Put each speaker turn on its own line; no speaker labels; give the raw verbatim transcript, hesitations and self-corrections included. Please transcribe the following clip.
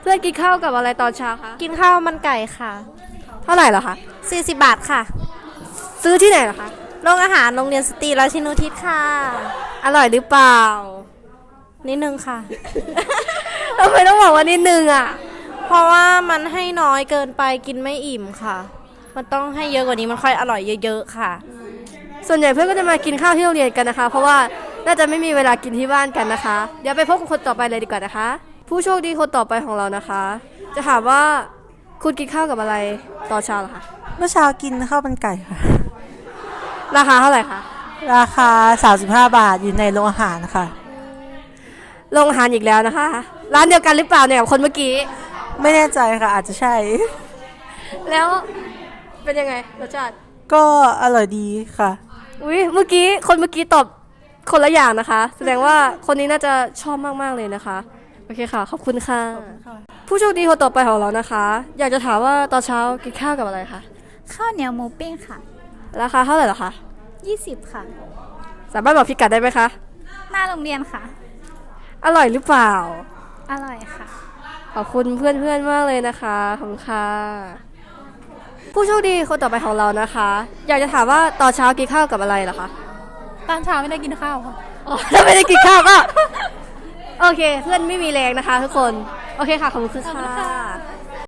พื่อนกินข้าวกับอะไรตอนเช้าคะ
กินข้าวมันไก่ค่ะ
เท่าไหร่เหรอคะ
สี่สิบบาทค่ะ
ซื้อที่ไหนเหรอคะ
โรงอาหารโรงเรียนสตรีราชินูทิศค่ะ
อร่อยหรือเปล่า
นิดนึงค่ะ
ทำไมต้องบอกว่านิดนึงอ่ะ
เพราะว่ามันให้น้อยเกินไปกินไม่อิ่มค่ะมันต้องให้เยอะกว่านี้มันค่อยอร่อยเยอะๆค่ะ
ส่วนใหญ่เพื่อนก็จะมากินข้าวที่โรงเรียนกันนะคะเพราะว่าน่าจะไม่มีเวลากินที่บ้านกันนะคะเดี๋ยวไปพบกับคนต่อไปเลยดีกว่านะคะผู้โชคดีคนต่อไปของเรานะคะจะถามว่าคุณกินข้าวกับอะไรตอนเช้าเหรอคะ
เมื่อเช้ากินข้าวมันไก่ค่ะ
ราคาเท่าไหร่คะ
ราคาสามสิบห้าบาทอยู่ในโรงอาหารนะคะ
โรงอาหารอีกแล้วนะคะร้านเดียวกันหรือเปล่าเนี่ยกับคนเมื่อกี้
ไม่แน่ใจค่ะอาจจะใช่
แล้วเป็นยังไงรสชาติ
ก็อร่อยดีค่ะ
อุ้ยเมื่อกี้คนเมื่อกี้ตอบคนละอย่างนะคะแสดงว่าคนนี้น่าจะชอบมากๆเลยนะคะโอเคค่ะขอบคุณค่ะผู้โชคดีคนต่อไปของเรานะคะอยากจะถามว่าตอนเช้ากินข้าวกับอะไรคะ
ข้าวเหนียวหมูปิ้งค่ะ
ราคาเท่าไหร่เหรอคะ
ยี่สิบค่ะ
สามารถบอกพิกัดได้ไหมคะ
หน้าโรงเรียนค่ะ
อร่อยหรือเปล่า
อร่อยค่ะ
ขอบคุณเพื่อนๆมากเลยนะคะขอบคุณค่ะผู้โชคดีคนต่อไปของเรานะคะอยากจะถามว่าตอนเช้ากินข้าวกับอะไรเหรอคะ
ตอนเช้าไม่ได้กินข้าวค่ะ
อ๋อถ้าไม่ได้กินข้าวก็โอเคเพื่อนไม่มีแรงนะคะทุกคนโอเคค่ะขอบคุณค่ะ